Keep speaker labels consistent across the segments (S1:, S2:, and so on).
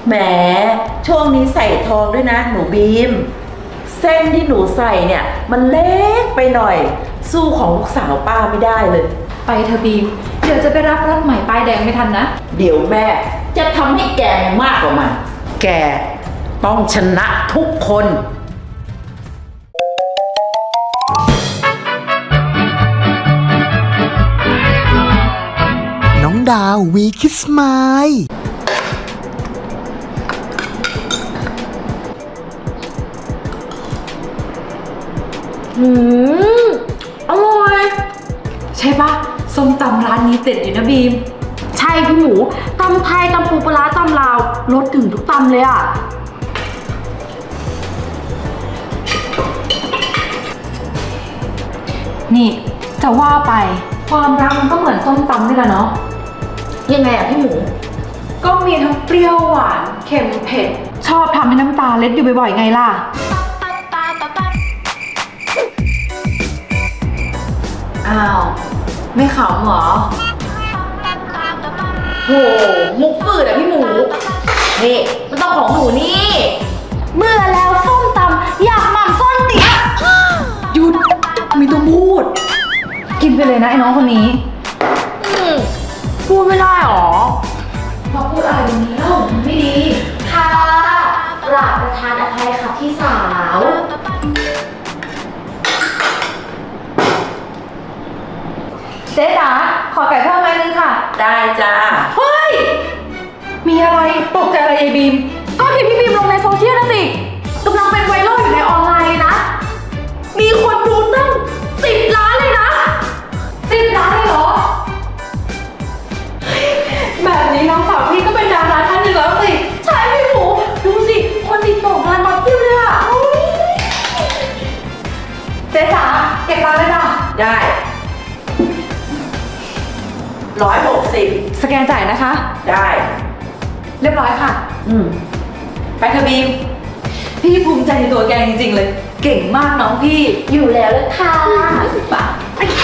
S1: แหมช่วงนี้ใส่ทองด้วยนะหนูบีมเส้นที่หนูใส่เนี่ยมันเล็กไปหน่อยสู้ของลูกสาวป้าไม่ได้เลย
S2: ไปเธอบีมเดี๋ยวจะไปรับรถใหม่ป้ายแดงไม่ทันนะ
S1: เดี๋ยวแม่จะทำให้แกมากกว่ามันแกต้องชนะทุกคน
S3: น้องดาววีคิสไมล์
S2: อร่อยใช่ปะส้มตำร้านนี้เด็ดอยู่นะบีม
S4: ใช่พี่หมูตำไทยตำปูปลาร้าตำลาวรสถึงทุกตำเลยอ่ะ
S2: นี่จะว่าไปความรักมันก็เหมือนส้มตำนี่แหละเนาะ
S4: ยังไงอ่ะพี่หมู
S2: ก็มีทั้งเปรี้ยวหวานเค็มเผ็ดชอบทำให้น้ำตาเล็ดอยู่บ่อยๆไงล่ะอ้าวไม่ขำเหรอ
S4: โหมุกฝืดอ่ะพี่หมูนี่มันต้องของหนูนี่เมื่อแล้วส้มตำอยากหม่ำส้นเตี๋ย
S2: หยุดมีตัวพูดกินไปเลยนะไอ้น้องคนนี้
S4: พูดไม่ได้หรอ
S2: พอพูดอะไรแบบนี้เล่าไม่ดี
S4: ค่ะกราบประทานอภัยค่ะพี่สาว
S2: เจ๊จ๋าขอไก่เพิ่มไม้นึงค่ะ
S1: ได้จ้า
S2: เฮ้ยมีอะไรตกใจอะไรยายบีม
S4: ก็เห็นพี่บีมลงในโซเชียลนะสิกำลังเป็นไวรัลอยู่ในออนไลน์เลยนะมีคนดูตั้ง10 ล้านเลยนะ
S2: 10 ล้านเลยเหรอแบบนี้น้องสาวพี่ก็เป็นดาราท่านหนึ่งแล้วสิ
S4: ใช่พี่หมูดูสิคนติดต่องานมาเพียบเลยอะ
S2: เจ๊จ๋าเก็บตังค์เลยจ้ะ
S1: ได้160
S2: สแกนจ่ายนะคะ
S1: ได้
S2: เรียบร้อยค่ะไปเถอะบีมพี่ภูมิใจในตัวแกจริงๆเลยเก่งมากน้องพี่
S4: อยู่แล้วเลยค่ะ
S1: ป่ะ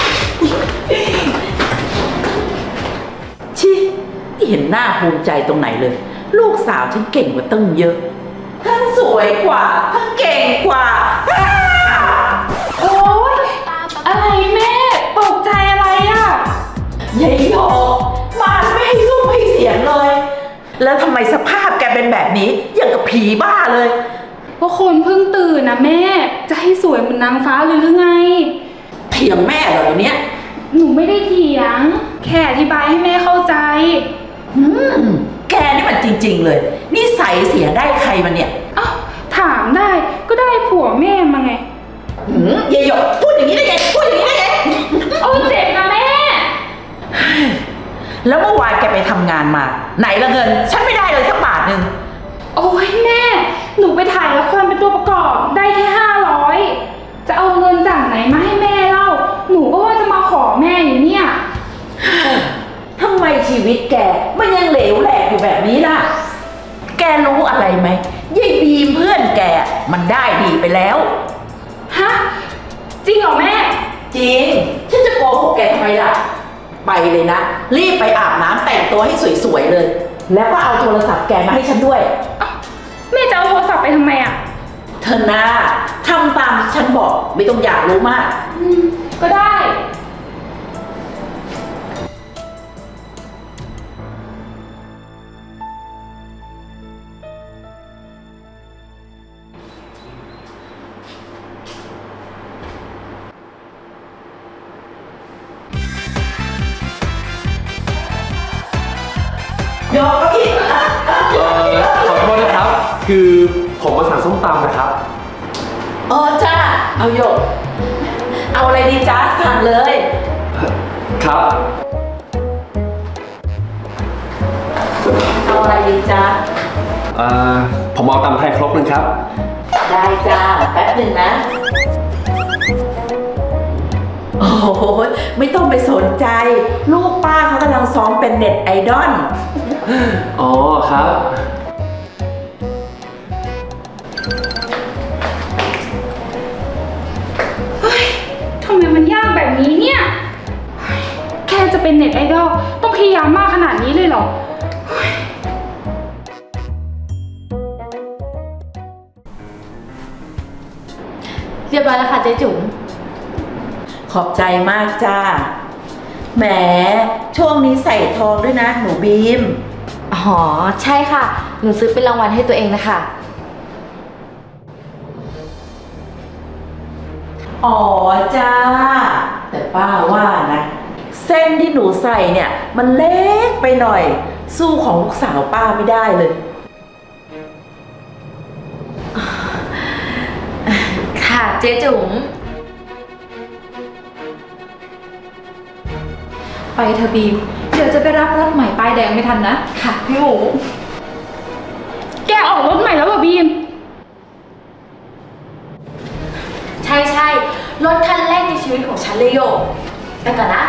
S1: ชิไม่เห็นหน้าภูมิใจตรงไหนเลยลูกสาวฉันเก่งกว่าตั้งเยอะทั้งสวยกว่าทั้งเก่งกว่า
S4: โอ๊ยอะไรแม่ตกใจอะไรอ่ะ
S1: ยายหยกมาไม่ให้สู้ให้เสียงเลยแล้วทำไมสภาพแกเป็นแบบนี้อย่างกับผีบ้าเลย
S4: เพราะคนเพิ่งตื่นนะแม่จะให้สวยเหมือนนางฟ้าเลยหรือไง
S1: เถียงแม่เหรอวันเนี้ย
S4: หนูไม่ได้เถียงแค่อธิบายให้แม่เข้าใจ
S1: แกนี่มันจริงๆเลยนิสัยเสียได้ใครมันเนี่ย
S4: อ้าวถามได้ก็ได้ผัวแม่มาไง
S1: ยายหยกพูดอย่างนี้ได้ไงพูดอย่างนี้ได้ไง
S4: โอ้เจ็บนะแม่
S1: แล้วเมื่อวานแกไปทำงานมาไหนละเงินฉันไม่ได้เลยสักบาทนึง
S4: โอ้ยแม่หนูไปถ่ายละครเป็นตัวประกอบได้แค่500จะเอาเงินจากไหนมาให้แม่เล่าหนูก็ว่าจะมาขอแม่อยู่เนี่ย
S1: ทำไมชีวิตแกมันยังเหลวแหลกอยู่แบบนี้ล่ะแกรู้อะไรไหมยายบีมเพื่อนแกมันได้ดีไปแล้ว
S4: ฮะจริงเหรอแม่
S1: จริงฉันจะโกหกแกทำไมล่ะไปเลยนะรีบไปอาบน้ำแต่งตัวให้สวยๆเลยแล้วก็เอาโทรศัพท์แกมาให้ฉันด้วย
S4: แม่จะเอาโทรศัพท์ไปทำไมอ่ะ
S1: เธอนะทำตามที่ฉันบอกไม่ต้องอยากรู้มาก
S4: ก็ได้
S1: ยกอีก
S5: ขอโทษนะครับ คือผมมาสั่งส้มตำนะครับ
S1: จ้าเอาหยกเอาอะไรดีจ้าสั่งเลย
S5: ครับ
S1: เอาอะไรดีจ้า
S5: ผมเอาตำไทยครกนึงครับ
S1: ได้จ้าแป๊บหนึ่งนะโอ้โหไม่ต้องไปสนใจลูกป้าเขากำลังซ้อมเป็นเน็ตไอดอล
S5: อ๋อครับ
S4: เฮ้ยทำไมมันยากแบบนี้เนี่ยแค่จะเป็นเน็ตไอดอลต้องพยายามมากขนาดนี้เลยเหรอ
S6: เรียบร้อยแล้วค่ะเจ๊จุ๋ม
S1: ขอบใจมากจ้า แหม ช่วงนี้ใส่ทองด้วยนะหนูบีม
S6: อ๋อ ใช่ค่ะ หนูซื้อเป็นรางวัลให้ตัวเองนะคะ
S1: อ๋อจ้า แต่ป้าว่านะ เส้นที่หนูใส่เนี่ย มันเล็กไปหน่อย สู้ของลูกสาวป้าไม่ได้เลย
S6: ค่ะเจ๊จุ๋ม
S2: ไปเธอะบีม เดี๋ยวจะไปรับรถใหม่ป้ายแดงไม่ทันนะ
S6: ค่ะพี่หมู
S4: แกออกรถใหม่แล้วเหรอบีม
S6: ใช่ใช่รถคันแรกในชีวิตของฉันเลยโยกไปก่อนนะ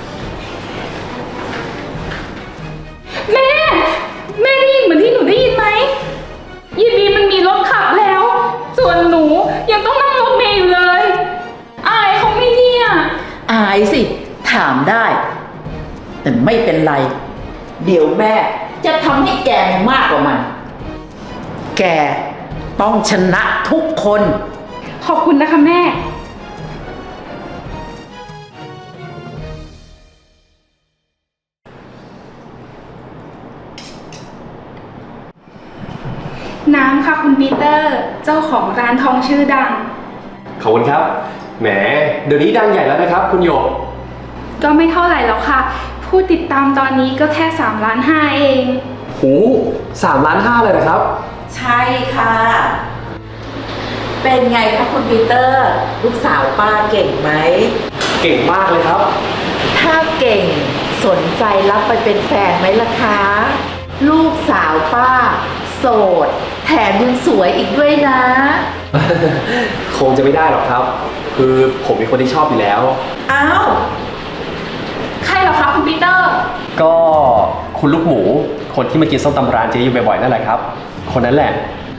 S4: แม่ แม่ได้ยินเหมือนที่หนูได้ยินไหมยีบีมันมีรถขับแล้ว ส่วนหนูยังต้องนั่งรถเมล์อยู่เลย อายเขาไหม่เนี่ย
S1: อายสิ ถามได้ แต่ไม่เป็นไร เดี๋ยวแม่จะทำให้แกมากกว่ามัน แกต้องชนะทุกคน
S4: ขอบคุณนะคะแม่ น้ำค่ะคุณปีเตอร์ เจ้าของร้านทองชื่อดัง
S5: ขอบคุณครับ แหม เดี๋ยวนี้ดังใหญ่แล้วนะครับ คุณโยก
S4: ก็ไม่เท่าไหร่แล้วค่ะ ผู้ติดตามตอนนี้ก็แค่3.5 ล้านเอง
S5: หู3.5 ล้านเลยนะครับ
S1: ใช่ค่ะ เป็นไงคะคุณปีเตอร์ ลูกสาวป้าเก่งไหม
S5: เก่งมากเลยครับ
S1: ถ้าเก่งสนใจรับไปเป็นแฟนไหมล่ะคะ ลูกสาวป้า โสด แถมยังสวยอีกด้วยนะ
S5: คงจะไม่ได้หรอกครับ คือผมเป็นคนที่ชอบอยู่แล้ว
S1: อ้าว
S4: ใครเหรอคะคุณปีเตอร์
S5: ก็คุณลูกหมู คนที่มากินส้มตำร้านเจ๊อยู่บ่อยๆนั่นแหละครับ คนนั้นแหละ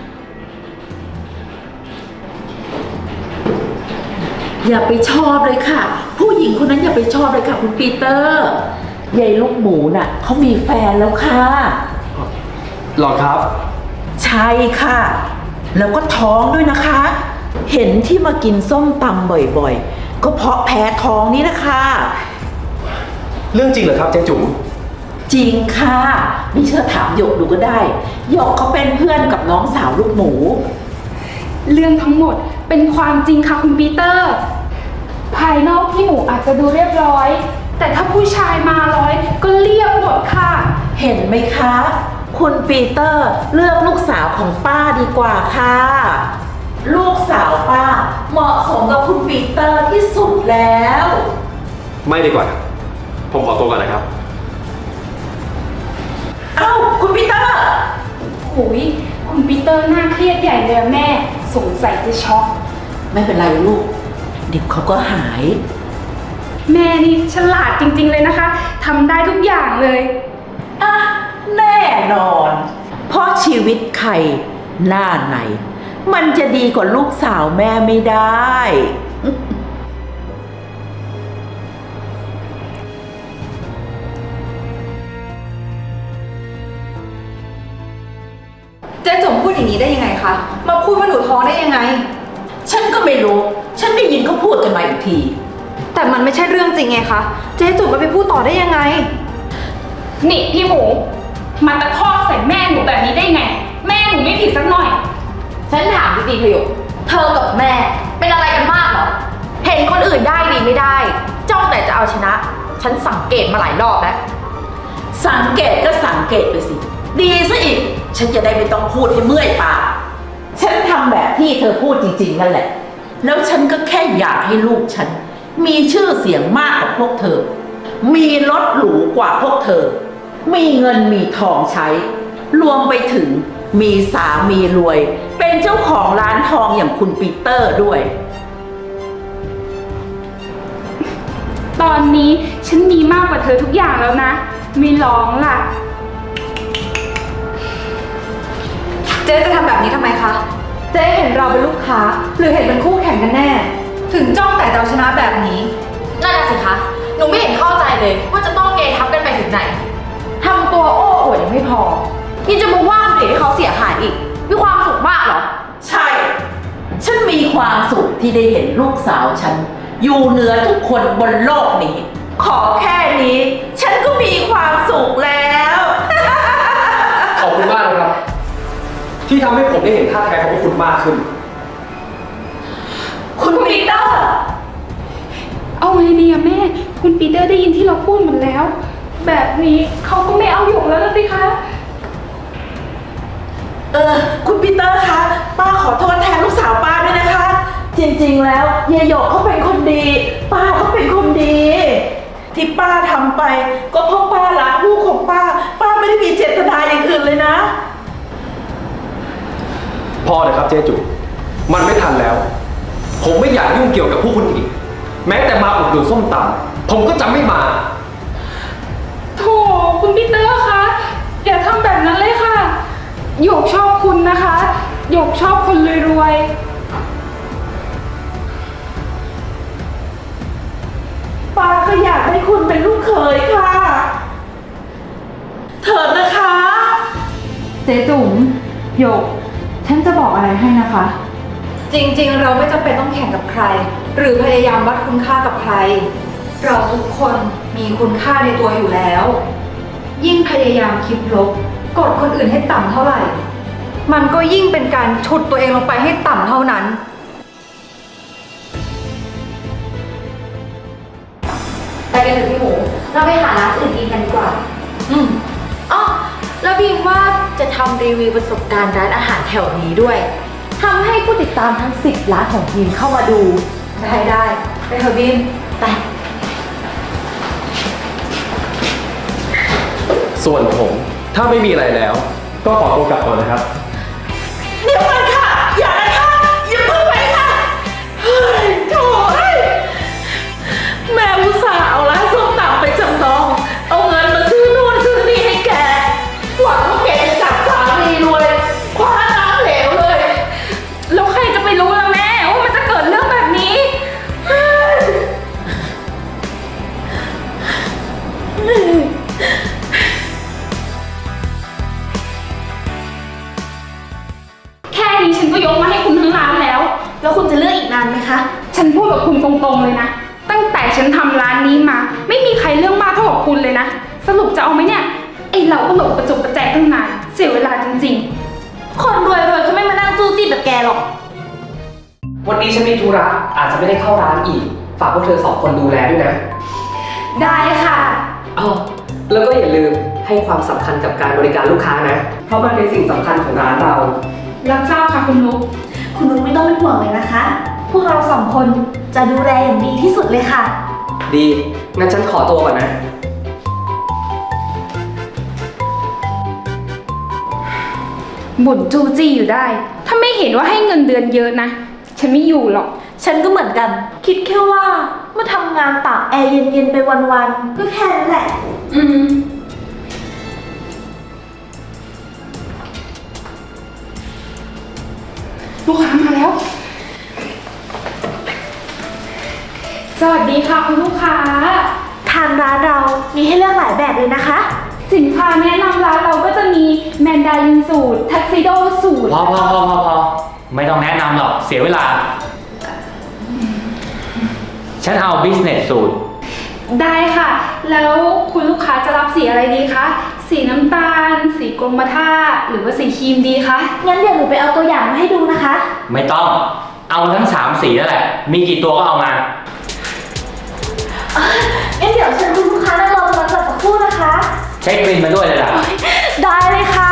S1: อย่าไปชอบเลยค่ะ ผู้หญิงคนนั้นอย่าไปชอบเลยค่ะคุณปีเตอร์ยายลูกหมูน่ะเขามีแฟนแล้วค่ะ
S5: หรอครับ
S1: ใช่ค่ะ แล้วก็ท้องด้วยนะคะ เห็นที่มากินส้มตำบ่อยๆ ก็เพราะแพ้ท้องนี่นะคะ
S5: เรื่องจริงเหรอครับเจ๊จุ๋ม
S1: จริงค่ะไม่เชื่อถามหยกดูก็ได้หยกเขาเป็นเพื่อนกับน้องสาวลูกหมู
S4: เรื่องทั้งหมดเป็นความจริงค่ะคุณปีเตอร์ ภายนอกที่หมูอาจจะดูเรียบร้อย แต่ถ้าผู้ชายมาร้อยก็เรียบหมดค่ะ
S1: เห็นไหมคะ คุณปีเตอร์เลือกลูกสาวของป้าดีกว่าค่ะ ลูกสาวป้าเหมาะสมกับคุณปีเตอร์ที่สุดแล้ว
S5: ไม่ดีกว่า ผมขอตัวก่อนนะครับ
S1: เอ้าคุณปีเตอร์
S4: หุยคุณปีเตอร์น่าเครียดใหญ่เลยอะแม่ สงสัยจะช็อก
S1: ไม่เป็นไรลูกเดี๋ยวเขาก็หาย
S4: แม่นี่ฉลาดจริงๆเลยนะคะทำได้ทุกอย่างเลย
S1: อ่ะแน่นอน เพราะชีวิตใครหน้าไหน มันจะดีกว่าลูกสาวแม่ไม่ได้
S2: เจ๊จุ๋มพูดอย่างนี้ได้ยังไงคะ มาพูดว่าหนูท้องได้ยังไง
S1: ฉันก็ไม่รู้ ฉันได้ยินเขาพูดกันมาอีกที
S2: แต่มันไม่ใช่เรื่องจริงไงคะ เจ๊จุ๋มมาไปพูดต่อได้ยังไง
S4: นี่พี่หมูมาตะคอกใส่แม่หนูแบบนี้ได้ไง แม่หนูไม่ผิดสักหน่อย
S6: ฉันถามจริงๆเธออยู่เธอกับแม่เป็นอะไรกันมากเหรอ เห็นคนอื่นได้ดีไม่ได้ จ้องแต่จะเอาชนะ ฉันสังเกตมาหลายรอบแล้ว
S1: สังเกตก็สังเกตไปสิ ดีซะอีก ฉันจะได้ไม่ต้องพูดให้เมื่อยปาก ฉันทำแบบที่เธอพูดจริงๆนั่นแหละ แล้วฉันก็แค่อยากให้ลูกฉัน มีชื่อเสียงมากกว่าพวกเธอ มีรถหรูกว่าพวกเธอ มีเงินมีทองใช้ รวมไปถึงมีสามีรวย เป็นเจ้าของร้านทองอย่างคุณปีเตอร์ด้วย
S4: ตอนนี้ฉันมีมากกว่าเธอทุกอย่างแล้วนะ ไม่ร้องล่ะ
S2: เจ๊จะทำแบบนี้ทำไมคะ เจ๊เห็นเราเป็นลูกค้า หรือเห็นเป็นคู่แข่งกันแน่ ถึงจ้องแต่จะเอาชนะแบบนี้
S6: นั่นน่ะสิคะ หนูไม่เห็นเข้าใจเลยว่าจะต้องเกทับกันไปถึงไหน ทำตัวโอ้อวดยังไม่พอยังจะมาว่าคนอื่นให้เขาเสียหายอีก มีความสุขมากเหรอ
S1: ใช่ ฉันมีความสุขที่ได้เห็นลูกสาวฉัน อยู่เหนือทุกคนบนโลกนี้ ขอแค่นี้ ฉันก็มีความสุขแล้ว
S5: ขอบคุณมากนะครับ ที่ทำให้ผมได้เห็นท่าแท้ของพวกคุณมากขึ้น
S1: คุณปีเตอร์
S4: เอาไงดีอะแม่ คุณปีเตอร์ได้ยินที่เราพูดหมดแล้ว แบบนี้เขาก็ไม่เอาหยกแล้วล่ะสิคะ
S1: คุณปีเตอร์คะ ป้าขอโทษแทนลูกสาวป้าด้วยนะคะ จริงๆ แล้วยายหยกเขาเป็นคนดี ป้าเขาเป็นคนดี ที่ป้าทำไป ก็เพราะป้ารักลูกของป้า ป้าไม่ได้มีเจตนาอย่างอื่นเลยนะ
S5: พอเลยครับเจ๊จุมันไม่ทันแล้ว ผมไม่อยากยุ่งเกี่ยวกับพวกคุณอีก แม้แต่มาอุดหนุนส้มตำผมก็จะไม่มา
S4: โถคุณปีเตอร์คะอย่าทำแบบนั้นเลยค่ะหยกชอบคุณนะคะหยกชอบคนรวยๆ
S1: ป้าก็อยากให้คุณเป็นลูกเขยค่ะ เถิดนะคะ
S2: เจ๊จุ๋มหยก ฉันจะบอกอะไรให้นะคะ จริงๆ เราไม่จำเป็นต้องแข่งกับใคร หรือพยายามวัดคุณค่ากับใคร เราทุกคนมีคุณค่าในตัวอยู่แล้ว ยิ่งพยายามคิดลบกดคนอื่นให้ต่ำเท่าไหร่ มันก็ยิ่งเป็นการฉุดตัวเองลงไปให้ต่ำเท่านั้น
S6: ไปกันเถอะพี่หมู เราไปหาร้านอื่นกินกันดีกว่า อ๋อ แล้วบีมว่าจะทำรีวิวประสบการณ์ร้านอาหารแถวนี้ด้วย ทำให้ผู้ติดตามทั้ง 10 ล้านของบีมเข้ามาดู
S2: ได้ไปเถอะบีม
S6: ไป
S5: ส่วนผมถ้าไม่มีอะไรแล้ว ก็ขอตัวกลับก่อนนะครับ
S1: เดี๋ยวก่อนค่ะ อย่านะคะอย่าเพิ่งไปค่ะ เฮ้ยโถ่เอ้ยแม่อุตส่าห์เอาร้านส้มตำไปจำนอง เอาเงินมาซื้อนู่นซื้อนี่ให้แก หวังว่าแกจะจับสามีรวยคว้าน้ำเหลวเลย
S4: แล้วใครจะไปรู้ล่ะแม่ว่ามันจะเกิดเรื่องแบบนี้ แค่นี้ฉันก็ยกมาให้คุณทั้งร้านแล้ว
S6: แล้วคุณจะเลือกอีกนานไหมคะ
S4: ฉันพูดกับคุณตรงๆเลยนะ ตั้งแต่ฉันทำร้านนี้มา ไม่มีใครเรื่องมากเท่ากับคุณเลยนะ สรุปจะเอาไหมเนี่ย ไอเราก็หลบประจบประแจกตั้งนานเสียเวลาจริงๆ
S6: คนรวยๆเขาไม่มานั่งจู้จี้แบบแกหรอก
S7: วันนี้ฉันมีธุระอาจจะไม่ได้เข้าร้านอีก ฝากพวกเธอ2 คนดูแลด้วยนะ
S4: ได้ค่ะ
S7: อ๋อแล้วก็อย่าลืมให้ความสำคัญกับการบริการลูกค้านะ เพราะมันเป็นสิ่งสำคัญของร้านเรา
S4: รับทราบค่ะคุณนุ๊ก
S6: คุณนุ๊กไม่ต้องเป็นห่วงเลยนะคะ พวกเรา2 คนจะดูแลอย่างดีที่สุดเลยค่ะ
S7: ดี งั้นฉันขอตัวก่อนนะ
S4: บ่นจู้จี้อยู่ได้ ถ้าไม่เห็นว่าให้เงินเดือนเยอะนะ ฉันไม่อยู่หรอก
S6: ฉันก็เหมือนกัน คิดแค่ว่ามาทำงานตากแอร์เย็นๆไปวันๆ ก็แค่นั้นแหละ
S4: อืม ลูกค้ามาแล้ว สวัสดีค่ะคุณลูกค้า
S6: ทางร้านเรามีให้เลือกหลายแบบเลยนะคะ
S4: สินค้าแนะนำร้านเราก็จะมีแมนดารินสูตรทักซิโดสูตร
S8: พอไม่ต้องแนะนำหรอกเสียเวลา ฉันเอา business สูตร
S4: ได้ค่ะ แล้วคุณลูกค้าจะรับสีอะไรดีคะ สีน้ำตาล สีกรมท่า หรือว่าสีครีมดีคะ
S6: งั้นเดี๋ยวหนูไปเอาตัวอย่างมาให้ดูนะคะ
S8: ไม่ต้อง เอาทั้ง3 สีนั่นแหละ มีกี่ตัวก็เอามา
S6: งั้นเดี๋ยวเชิญคุณลูกค้านั่งรอตรงนั้นก่อนสักครู่นะคะ
S8: เช็คบินมาด้วยเลยล่ะ
S6: ได้เลยค่ะ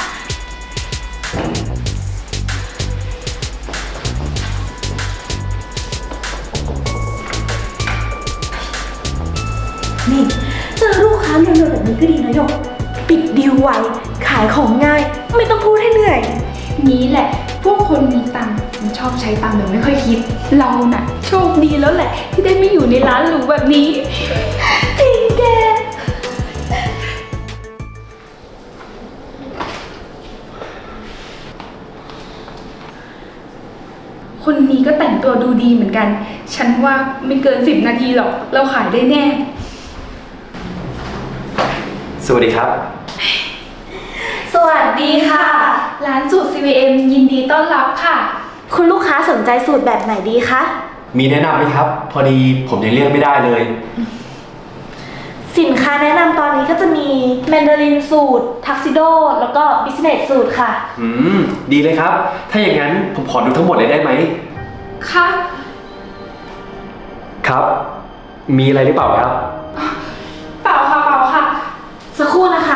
S6: นี่เจอลูกค้าเร็วๆแบบนี้ก็ดีนะหยก ปิดดีลไว ขายของง่าย ไม่ต้องพูดให้เหนื่อย
S4: นี้แหละ พวกคนมีตังค์มันชอบใช้ตังค์แบบไม่ค่อยคิด เราน่ะ โชคดีแล้วแหละ ที่ได้ไม่อยู่ในร้านหรูแบบนี้
S6: จริงแก
S4: คนนี้ก็แต่งตัวดูดีเหมือนกัน ฉันว่าไม่เกิน10 นาทีหรอก เราขายได้แน่
S5: สวัสดีครับ
S6: สวัสดีค่ะ
S4: ร้านสูตร CVM ยินดีต้อนรับค่ะ
S6: คุณลูกค้าสนใจสูตรแบบไหนดีคะ
S5: มีแนะนำไหมครับ พอดีผมยังเลือกไม่ได้เลย
S6: สินค้าแนะนำตอนนี้ก็จะมีแมนดารินสูตรทักซิโดแล้วก็บิสเนสสูตรค่ะ
S5: ดีเลยครับ ถ้าอย่างนั้นผมขอดูทั้งหมดเลยได้ไหม
S4: ค่ะ
S5: ครับ มีอะไรหรือเปล่าครับ
S4: เปล่าค่ะเปล่าค่ะ
S6: สักครู่นะคะ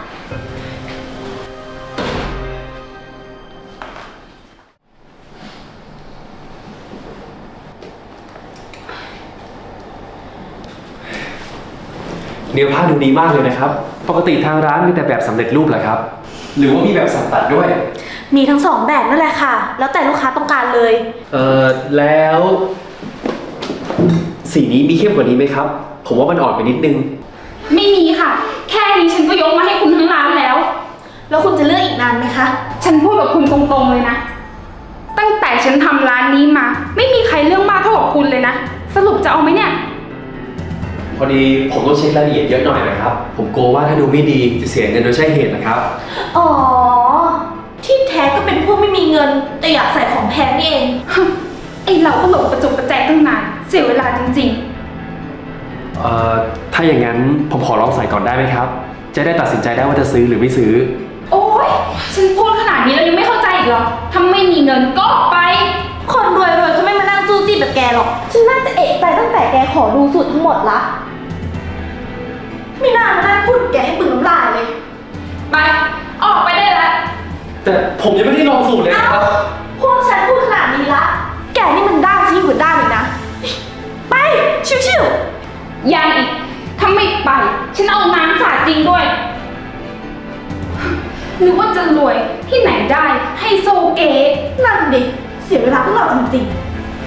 S5: เนื้อผ้าดูดีมากเลยนะครับ ปกติทางร้านมีแต่แบบสำเร็จรูปเหรอครับ หรือว่ามีแบบสั่งตัดด้วย
S6: มีทั้งสองแบบนั่นแหละค่ะ แล้วแต่ลูกค้าต้องการเลย
S5: แล้ว สีนี้มีเข้มกว่านี้ไหมครับ ผมว่ามันอ่อนไปนิดนึง
S4: ไม่มีค่ะ แค่นี้ฉันก็ยกมาให้คุณทั้งร้านแล้ว
S6: แล้วคุณจะเลือกอีกนานไหมคะ
S4: ฉันพูดกับคุณตรงๆเลยนะ ตั้งแต่ฉันทำร้านนี้มา ไม่มีใครเรื่องมากเท่ากับคุณเลยนะ สรุปจะเอาไหมเนี่ย
S5: พอดีผมต้องเช็ครายละเอียดเยอะหน่อยนะครับ ผมกลัวว่าถ้าดูไม่ดีจะเสียเงินโดยใช่เหตุนะครับ
S6: อ๋อ ที่แท้ก็เป็นพวกไม่มีเงิน แต่อยากใส่ของแพงนี่เอง
S4: ไอเราก็หลงประจบประแจตั้งนาน เสียเวลาจริง
S5: ถ้าอย่างนั้นผมขอลองใส่ก่อนได้ไหมครับ จะได้ตัดสินใจได้ว่าจะซื้อหรือไม่ซื้อ
S4: ๆ โอ๊ย ฉันพูดขนาดนี้แล้วยังไม่เข้าใจอีกเหรอถ้าไม่มีเงินก็ออกไป
S6: คนรวยๆเขาไม่มานั่งจู้จี้แบบแกหรอก ฉันน่าจะเอะใจตั้งแต่แกขอดูสูตรทั้งหมดละไม่น่ามานั่งพูดกับแกให้บึงน้ำลายเลย
S4: ไป ออกไปได้แล้ว
S5: แต่ผมยังไม่ได้ลองสูตรเลยนะครับ
S6: พวกฉันพูดขนาดนี้ละ แกนี่มันด้านซิ่งกว่าด้านเลยนะ ไป ชิวๆ
S4: ยังอีก ถ้าไม่ไป ฉันเอาน้ำสาดจริงด้วย นึกว่าจะรวยที่ไหนได้ให้โซเก๋
S6: นั่นดิ เสียเวลาพวกเราจริงๆ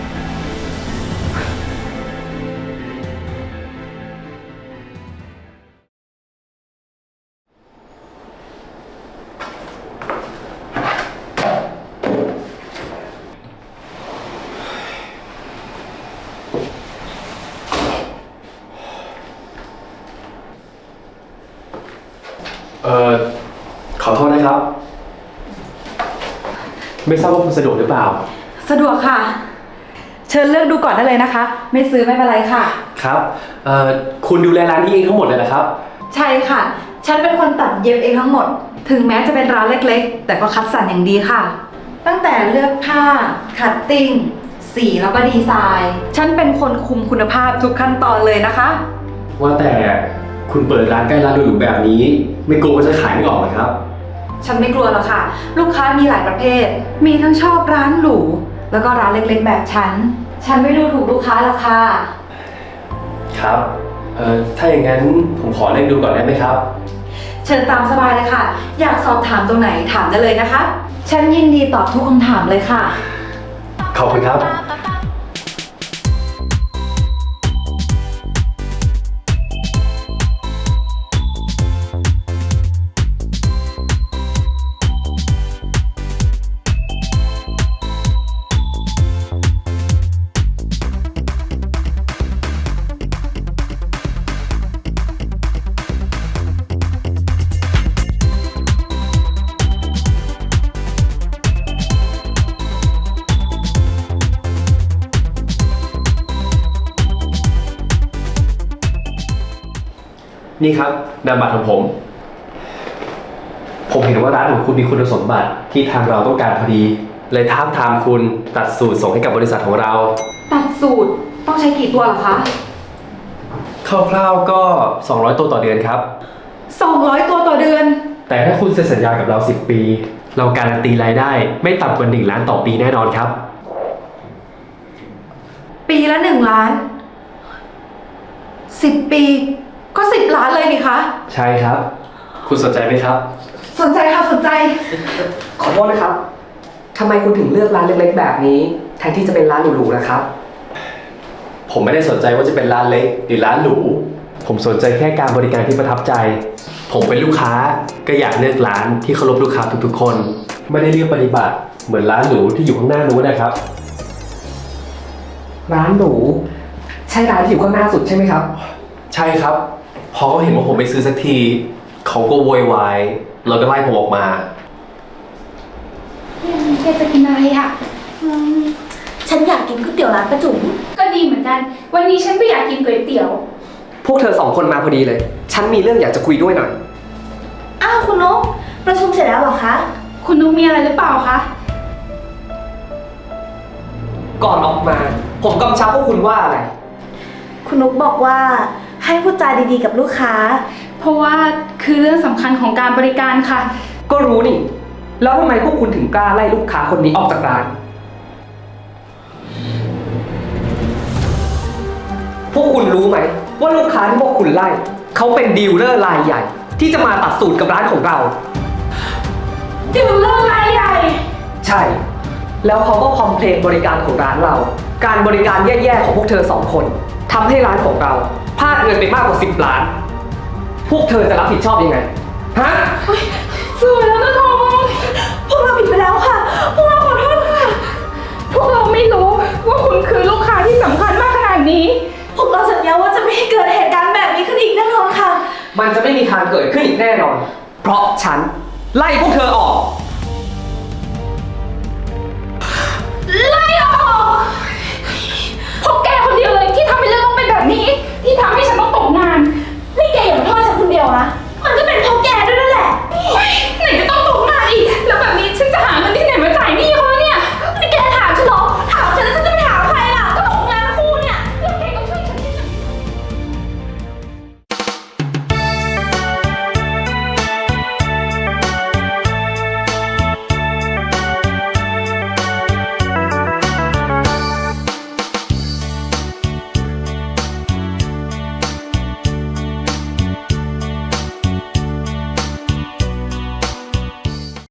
S5: ขอโทษนะครับ ไม่ทราบว่าคุณสะดวกหรือเปล่า
S2: สะดวกค่ะ เชิญเลือกดูก่อนได้เลยนะคะ ไม่ซื้อไม่เป็นไรค่ะ
S5: ครับคุณดูแลร้านนี้เองทั้งหมดเลยเหรอครับ
S2: ใช่ค่ะ ฉันเป็นคนตัดเย็บเองทั้งหมด ถึงแม้จะเป็นร้านเล็กๆ แต่ก็คัดสรรอย่างดีค่ะ ตั้งแต่เลือกผ้า คัตติ้ง สีแล้วก็ดีไซน์ ฉันเป็นคนคุมคุณภาพทุกขั้นตอนเลยนะคะ
S5: ว่าแต่คุณเปิดร้านใกล้ร้านหรูๆแบบนี้ ไม่กลัวว่าจะขายไม่ออกเหรอครับ
S2: ฉันไม่กลัวหรอกค่ะ ลูกค้ามีหลายประเภท มีทั้งชอบร้านหรู แล้วก็ร้านเล็กๆ แบบฉัน ฉันไม่ดูถูกลูกค้าหรอกค่ะ
S5: ครับถ้าอย่างนั้นผมขอเล่นดูก่อนได้ไหมครับ
S2: เชิญตามสบายเลยค่ะ อยากสอบถามตรงไหนถามได้เลยนะคะ ฉันยินดีตอบทุกคำถามเลยค่ะ
S5: ขอบคุณครับ นี่ครับนามบัตรของผม ผมเห็นว่าร้านของคุณมีคุณสมบัติที่ทางเราต้องการพอดี เลยท้าบทามคุณตัดสูตรส่งให้กับบริษัทของเรา
S2: ตัดสูตรต้องใช้กี่ตัวเหรอคะ
S5: คร่าวๆก็ 200 ตัวต่อเดือนครับ
S2: 200 ตัวต่อเดือน
S5: แต่ถ้าคุณเซ็นสัญญากับเรา 10 ปี เราการันตีรายได้ไม่ต่ำกว่า1 ล้านต่อปีแน่นอนครับ
S2: ปีละ1 ล้าน 10 ปีก็10 ล้านเลยนี่คะ
S5: ใช่ครับ คุณสนใจไหมครับ
S2: สนใจค่ะสนใจ
S7: ขอโทษนะครับทำไมคุณถึงเลือกร้านเล็กๆแบบนี้ แทนที่จะเป็นร้านหรูๆนะครับ
S5: ผมไม่ได้สนใจว่าจะเป็นร้านเล็กหรือร้านหรู ผมสนใจแค่การบริการที่ประทับใจ ผมเป็นลูกค้าก็อยากเลือกร้านที่เคารพลูกค้าทุกๆคน ไม่ได้เลือกปฏิบัติเหมือนร้านหรูที่อยู่ข้างหน้านู้นนะครับ
S7: ร้านหรูใช่ร้านที่อยู่ข้างหน้าสุดใช่ไหมครับ
S5: ใช่ครับ พอเขาเห็นว่าผมไม่ซื้อสักที เขาก็โวยวายแล้วก็ไล่ผมออกมา
S4: แกจะกินอะไรอ่ะ
S6: ไฉันอยากกินก๋วยเตี๋ยวร้านป้าจุ๋ม
S4: ก็ดีเหมือนกัน วันนี้ฉันก็อยากกินก๋วยเตี๋ยว
S7: พวกเธอสองคนมาพอดีเลย ฉันมีเรื่องอยากจะคุยด้วยหน่อย
S6: อ้าวคุณนกประชุมเสร็จแล้วเหรอคะ
S4: คุณนุ๊กมีอะไรหรือเปล่าคะ
S7: ก่อนออกมา ผมกำชับพวกคุณว่าอะไร
S6: คุณนุกบอกว่าให้พูดจาดีๆกับลูกค้า
S4: เพราะว่าคือเรื่องสำคัญของการบริการค่ะ
S7: ก็รู้นี่ แล้วทำไมพวกคุณถึงกล้าไล่ลูกค้าคนนี้ออกจากร้าน พวกคุณรู้ไหมว่าลูกค้าที่พวกคุณไล่เขาเป็นดีลเลอร์รายใหญ่ ที่จะมาตัดสูตรกับร้านของเรา
S4: ดิวเลอร์รายใหญ่
S7: ใช่ แล้วเขาก็คอมเพลนบริการของร้านเรา การบริการแย่ๆของพวกเธอสองคนทำให้ร้านของเราพลาดเงินไปมากกว่า10 ล้าน พวกเธอจะรับผิดชอบยังไง ฮะ
S4: สวยแล้วนะทอง
S6: พวกเราผิดไปแล้วค่ะ พวกเราขอโทษค่ะ
S4: พวกเราไม่รู้ว่าคุณคือลูกค้าที่สำคัญมากขนาดนี้
S6: พวกเราสัญญาว่าจะไม่ให้เกิดเหตุการณ์แบบนี้ขึ้นอีกแน่นอนค่ะ
S7: มันจะไม่มีทางเกิดขึ้นอีกแน่นอน เพราะฉันไล่พวกเธอออก